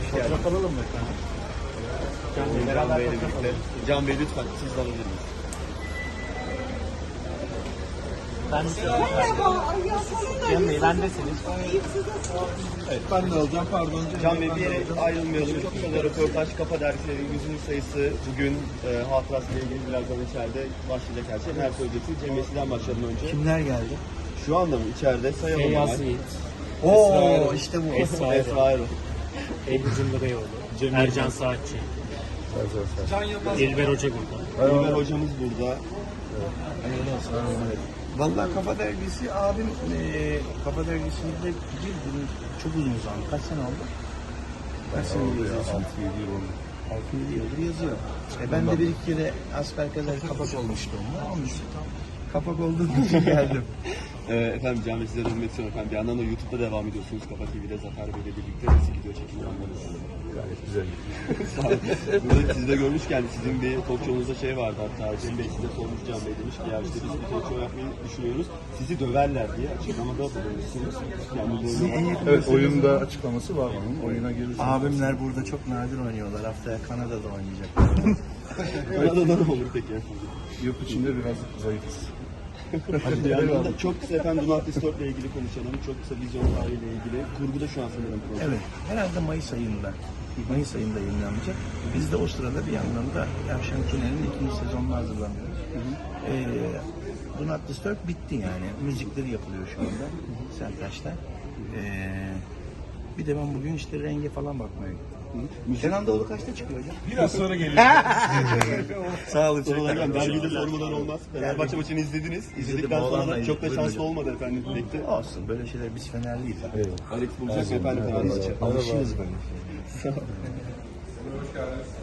Fotoğraf alalım mı efendim? Can Bey'le birlikte. Can Bey lütfen siz de alabilir miyiz? Can Bey, bendesiniz. Evet, ben de alacağım. Pardon. Can Bey, bir yere ayrılmayalım. Kısa röportaj, Kafa Dergisi'nin 100. sayısı bugün hatırasıyla ilgili birazdan içeride başlayacak her şey. Her söyleyeceksiniz. Cem Bey, sizden başlayalım önce. Kimler geldi? Şu anda mı içeride sayalım Feyyaz hemen. Yiğit, Oo işte bu. Esra Esra Erol. Ebru Cumhurbaşkanı, Ercan Saatçi, İlber Hoca burada. Ömer hocamız burada. Vallahi Kafa Dergisi abim Kafa Dergisi'nde girdim çok uzun zaman. Kaç sene oldu? Kaç sene yazıyorsun? 6-7 yıl oldu. 6-7 yıldır yazıyor. Ben de bir iki kere asperkazer kapak olmuştu onunla. Onun için kapak olduğum için geldim. Efendim Can Bey, size dönmek istiyorum efendim. Bir yandan da YouTube'da devam ediyorsunuz. Kafa TV'de Zafer Bey'le birlikte nasıl gidiyor çekim anlarınız? Gayet güzel. Sağ olun. Burada sizi de görmüşken sizin bir talk show'unuzda şey vardı hatta. Cem Bey size sormuş, Can Bey demiş ki ya işte biz bir talk show yapmayı düşünüyoruz. Sizi döverler diye açıklamada bulunmuşsunuz. Yani Evet, oyunda açıklaması var onun. Oyuna gelirse. Abimler burada çok nadir oynuyorlar. Haftaya Kanada'da oynayacak. Kanada'da ne olur peki efendim? Yurt içinde biraz zayıfız. Bir yandan da çok kısa efendim Donald ile ilgili konuşalım. Çok kısa vizyon tarihiyle ilgili. Kurguda şu an sanırım proje. Evet, herhalde Mayıs ayında yayınlanacak. Biz de o sırada bir yandan da Yavşan Tüneli'nin ikinci sezonuna hazırlanıyoruz. Do Not Disturb bitti yani. Müzikleri yapılıyor şu anda. Sertaç'ta. Bir de ben bugün işte renge falan bakmaya gittim. Kenan Doğulu kaçta çıkıyor hocam? Biraz sonra geliyor. Sağ olun. Sonra hocam dergide sormadan olmaz. Fenerbahçe maçını izlediniz. İzledikten sonra da çok da şanslı olmadı efendim birlikte. Olsun, böyle şeyler biz Fenerliyiz. Alex bulacak efendim Fenerbahçe. Alışırız böyle. Hoş geldiniz.